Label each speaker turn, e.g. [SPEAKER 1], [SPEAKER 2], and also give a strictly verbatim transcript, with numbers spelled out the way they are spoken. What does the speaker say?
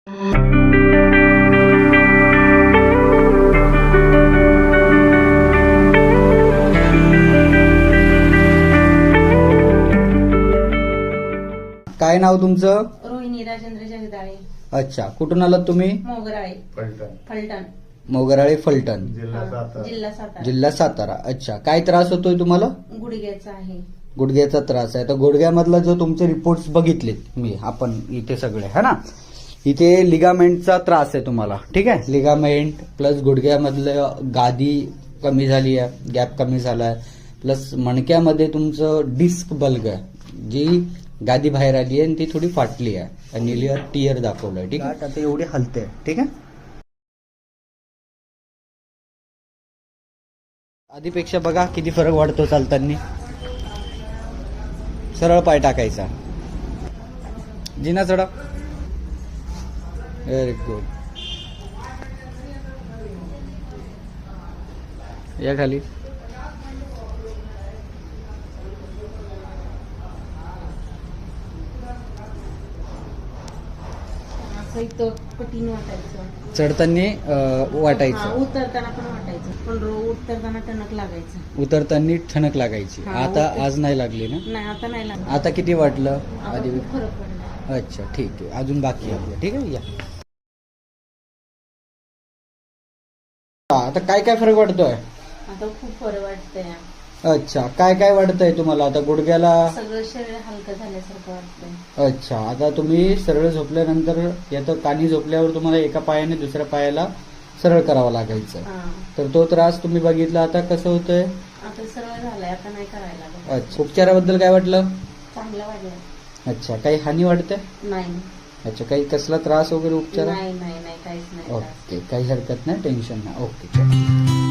[SPEAKER 1] काय नाव तुमचं?
[SPEAKER 2] रोहिणी राजेंद्र जगदाळे.
[SPEAKER 1] अच्छा, कुठून आलात तुम्ही?
[SPEAKER 2] मोगराळे
[SPEAKER 3] फलटण
[SPEAKER 2] फलटण
[SPEAKER 1] मोगराळे फलटण,
[SPEAKER 3] जिल्हा सातारा.
[SPEAKER 2] जिल्हा सातारा.
[SPEAKER 1] जिल्हा सातारा. अच्छा, काय त्रास होतोय तुम्हाला?
[SPEAKER 2] गुडघ्याचा आहे.
[SPEAKER 1] गुडघ्याचा त्रास आहे. तर गुडघ्यामधला जो तुमचे रिपोर्ट्स बघितलेत मी आपण इथे सगळे है ना, इथे लिगामेंटचा त्रास आहे तुम्हाला. ठीक आहे, लिगामेंट प्लस गुडघ्यामधलं गादी कमी झाली आहे, गॅप कमी झाला आहे, प्लस मणक्यामध्ये तुमचं डिस्क बल्ग आहे, जी गादी बाहेर आली आहे आणि ती थोडी फाटली आहे आणि लिअर टियर दाखवलंय. ठीक आहे, आता एवढी हलते. ठीक आहे, आधीपेक्षा बघा किती फरक वाढतो चालताना. सरळ पाय टाकायचा, जिना चढा. Very good. या खाली.
[SPEAKER 2] असं इथं कठीण वाटायचं.
[SPEAKER 1] चढताना
[SPEAKER 2] हा,
[SPEAKER 1] वाटायचं,
[SPEAKER 2] उतरताना पण वाटायचं, पण रो- उतरताना टणक लागायचं.
[SPEAKER 1] उतरताना ठणक लागायची.
[SPEAKER 2] हा,
[SPEAKER 1] आता
[SPEAKER 2] उतर-
[SPEAKER 1] आज नाही लागली ना?
[SPEAKER 2] नाही, आता नाही लागत.
[SPEAKER 1] आता किती वाटलं?
[SPEAKER 2] आता
[SPEAKER 1] आधी
[SPEAKER 2] खूप फरक पडला.
[SPEAKER 1] अच्छा, ठीक आहे, अजून बाकी आहे. ठीक आहे, या. आता काय काय फरक वाटतोय?
[SPEAKER 2] आता खूप फरक वाटतंय.
[SPEAKER 1] अच्छा, काय काय वाटतंय तुम्हाला? आता गुडघ्याला.
[SPEAKER 2] सगळं शरीर हलकं झाल्यासारखं वाटतंय.
[SPEAKER 1] अच्छा, आता तुम्ही सरळ झोपल्यानंतर यात कानी झोपल्यावर तुम्हाला एका पायाने दुसऱ्या पायाला सरळ करावं लागायचं.
[SPEAKER 2] हा,
[SPEAKER 1] तर तो त्रास तुम्ही बघितला. आता कसं होतंय?
[SPEAKER 2] आता सरळ झालाय, आता नाही करायला लागत.
[SPEAKER 1] अच्छा, उपचाराबद्दल काय वाटलं?
[SPEAKER 2] चांगलं वाटलं.
[SPEAKER 1] अच्छा, काही हानी वाटते?
[SPEAKER 2] नाही
[SPEAKER 1] अच्छा, काही कसला त्रास वगैरे उपचार?
[SPEAKER 2] नाही नाही नाही काहीच नाही.
[SPEAKER 1] ओके, काही हरकत नाही, टेन्शन नाही. ओके, चल.